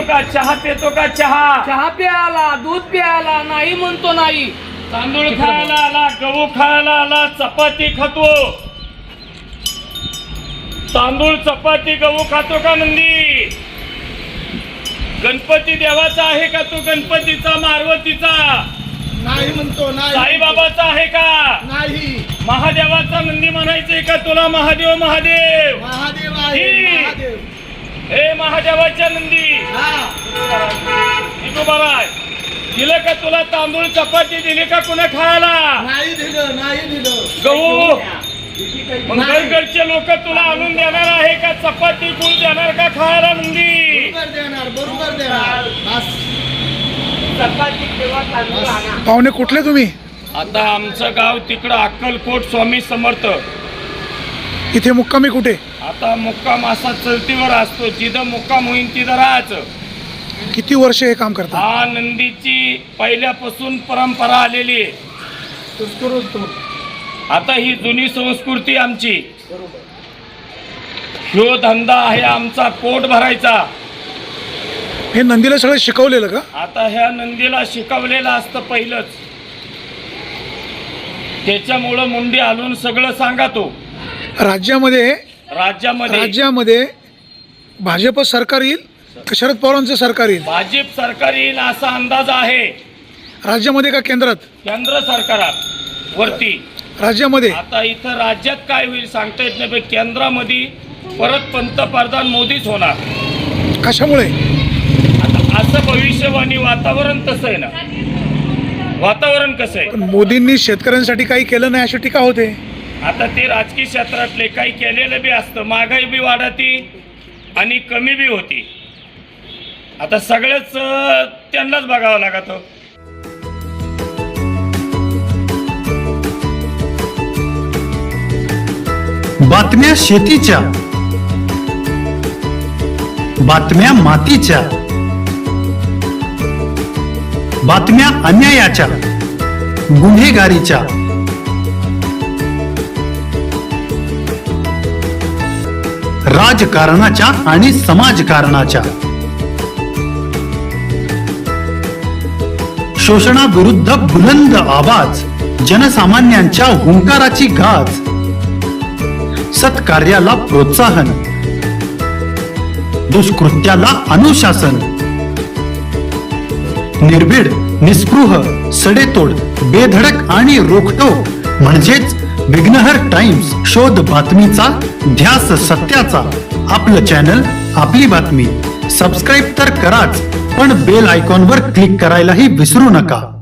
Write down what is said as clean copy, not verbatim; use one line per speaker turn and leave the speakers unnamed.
का चहा पितो का चहा
चहा प्यायला दूध प्यायला नाही म्हणतो नाही.
तांदूळ खायला आला गहू खायला आला चपाती खातो तांदूळ चपाती गहू खातो का नंदी गणपती देवाचा आहे का तू गणपतीचा मारवतीचा
नाही म्हणतो नाही.
साईबाबाचा आहे का
नाही.
महादेवाचा नंदी म्हणायचंय का तुला महादेव महादेव
महादेव आहे महादेव.
हे महादेवाच्या नंदी बराय दिलं का तुला तांदूळ चपाती दिली का कुणा खायला
नाही दिलं नाही दिलं.
गहू घरचे लोक तुला आणून देणार आहे का चपाती गुळ देणार का खायला नंदी
बरोबर देणार बरोबर देणार.
पाहुणे कुठले तुम्ही?
आता आमचं गाव तिकडं अक्कलकोट स्वामी समर्थ.
इथे मुक्कामी कुठे?
आता मुक्काम असा चलतीवर असतो जिथं मुक्काम होईन तिथं राहायचं.
किती वर्ष हे काम करता?
हा नंदीची पहिल्यापासून परंपरा आलेली आहे. आता ही जुनी संस्कृती आमची. ह्यो धंदा आहे आमचा पोट भरायचा.
हे नंदीला सगळं शिकवलेलं का?
आता ह्या नंदीला शिकवलेलं असतं पहिलंच. त्याच्यामुळं मुंडी हलवून सगळं सांगा तो.
राज्यामध्ये भाजप सरकार येईल का शरद पवारांचं सरकार येईल?
भाजप सरकार येईल असा अंदाज आहे.
राज्यामध्ये का केंद्रात?
केंद्र सरकारात वरती.
राज्यामध्ये
आता इथं राज्यात काय होईल सांगता येत नाही पण केंद्रामध्ये परत पंतप्रधान मोदीच होणार.
कशामुळे?
आता असं भविष्यवाणी वातावरण तसं आहे ना. वातावरण कसं आहे?
पण मोदींनी शेतकऱ्यांसाठी काही केलं नाही अशी टीका होते.
आता ते राजकीय क्षेत्रातले काही केलेलं बी असतं. महागाई बी वाढती आणि कमी बी होती. आता सगळंच त्यांनाच बघावं लागतं.
बातम्या शेतीच्या, बातम्या मातीच्या, बातम्या अन्यायाच्या, गुन्हेगारीच्या, राजकारणाच्या आणि समाजकारणाच्या, शोषणाविरुद्ध बुलंद आवाज, जनसामान्यांच्या हुंकाराची गाज, सत्कार्याला प्रोत्साहन, दुष्कृत्याला अनुशासन, निर्भीड, निस्पृह, सडेतोड, बेधडक आणि रोखठोक म्हणजेच विघ्नहर टाइम्स. शोध बातमीचा, ध्यास सत्याचा. आपलं चॅनल, आपली बातमी. सबस्क्राईब तर कराच, पण बेल आयकॉनवर क्लिक करायलाही विसरू नका.